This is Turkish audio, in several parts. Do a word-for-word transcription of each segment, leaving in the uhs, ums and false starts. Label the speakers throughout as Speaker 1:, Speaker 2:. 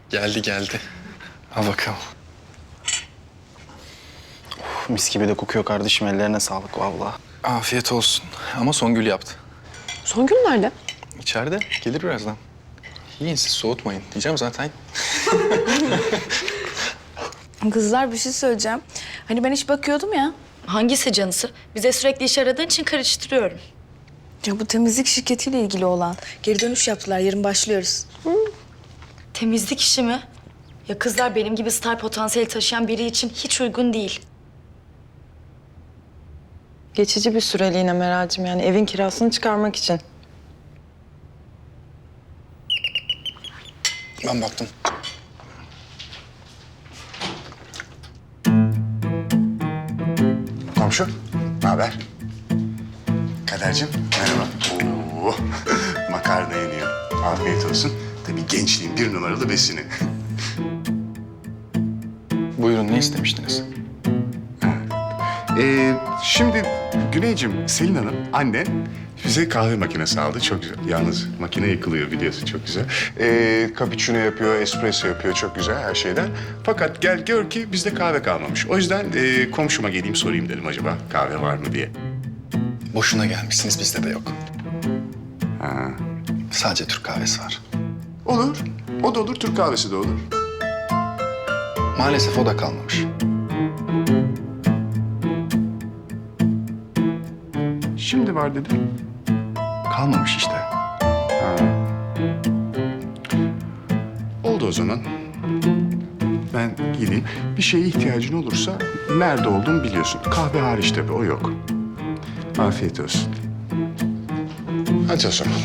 Speaker 1: Geldi geldi. Al bakalım.
Speaker 2: Uf, mis gibi de kokuyor kardeşim. Ellerine sağlık vallahi.
Speaker 1: Afiyet olsun. Ama Songül yaptı.
Speaker 3: Songül nerede?
Speaker 1: İçeride. Gelir birazdan. Yiyin siz, soğutmayın. Diyeceğim zaten.
Speaker 4: Kızlar bir şey söyleyeceğim. Hani ben hiç bakıyordum ya.
Speaker 5: Hangisi canısı? Bize sürekli iş aradığın için karıştırıyorum.
Speaker 4: Ya bu temizlik şirketiyle ilgili olan. Geri dönüş yaptılar. Yarın başlıyoruz.
Speaker 5: Temizlik işi mi? Ya kızlar benim gibi star potansiyeli taşıyan biri için hiç uygun değil.
Speaker 6: Geçici bir süreliğine Meral'cim, yani evin kirasını çıkarmak için.
Speaker 1: Ben baktım.
Speaker 7: Komşu, ne haber? Kadercim, merhaba. Oo, makarna yeniyor. Afiyet olsun. Tabii gençliğin bir numaralı besini.
Speaker 1: Buyurun, ne istemiştiniz?
Speaker 7: Ee, şimdi Güneyciğim, Selin Hanım, annen bize kahve makinesi aldı. Çok güzel. Yalnız makine yıkılıyor biliyorsun, çok güzel. Ee, cappuccino yapıyor, espresso yapıyor, çok güzel her şeyden. Fakat gel gör ki bizde kahve kalmamış. O yüzden e, komşuma geleyim sorayım dedim acaba kahve var mı diye.
Speaker 1: Boşuna gelmişsiniz, bizde de yok.
Speaker 7: Ha.
Speaker 1: Sadece Türk kahvesi var.
Speaker 7: Olur. O da olur, Türk kahvesi de olur.
Speaker 1: Maalesef o da kalmamış.
Speaker 7: Şimdi var dedim.
Speaker 1: Kalmamış işte.
Speaker 7: Oldu o zaman. Ben gideyim. Bir şeye ihtiyacın olursa nerede olduğumu biliyorsun. Kahve hariç tabii, o yok. Afiyet olsun. Hadi o zaman.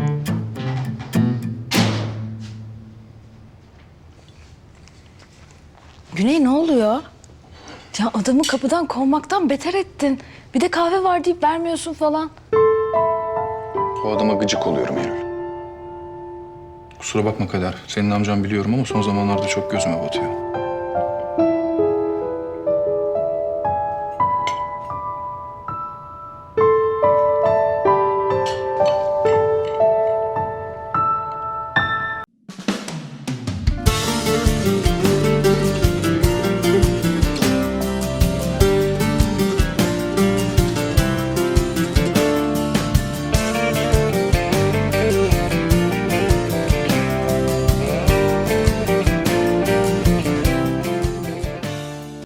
Speaker 4: Güney ne oluyor? Ya adamı kapıdan kovmaktan beter ettin. Bir de kahve var deyip vermiyorsun falan.
Speaker 1: O adama gıcık oluyorum Eylül. Kusura bakma Kader. Senin amcan biliyorum ama son zamanlarda çok gözüme batıyor.